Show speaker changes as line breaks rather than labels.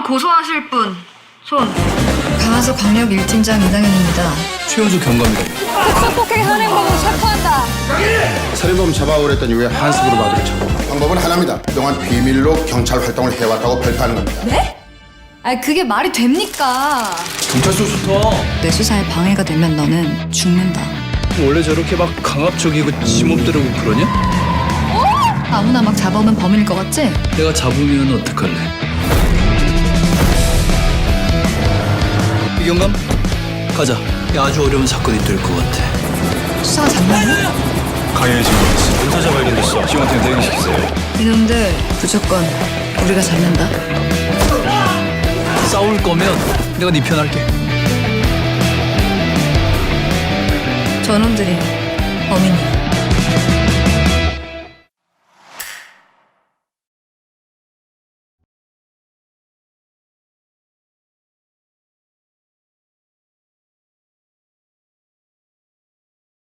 고소하실 분, 손.
강화서 광역 1팀장 이강현입니다.
최현주 경감이다.
폭행 현행범으로 체포한다.
살인범 잡아오랬더니 왜 한습으로 받으려 쳐고? 방법은 하나입니다. 그동안 비밀로 경찰 활동을 해왔다고 발표하는 겁니다.
네? 아 그게 말이 됩니까?
경찰서 좋다.
내 수사에 방해가 되면 너는 죽는다.
원래 저렇게 막 강압적이고 지몸대로고 그러냐?
아무나 막 잡아오면 범인일 것 같지?
내가 잡으면 어떡할래? 이경감, 가자. 야, 아주 어려운 사건이 될 것 같아.
수사가 장난이야?
강현이 신고했어. 은사자 발견됐어. 시원팀 대응시키세요.
이놈들 무조건 우리가 잡는다.
싸울 거면 내가 네 편 할게.
저놈들이 범인이야.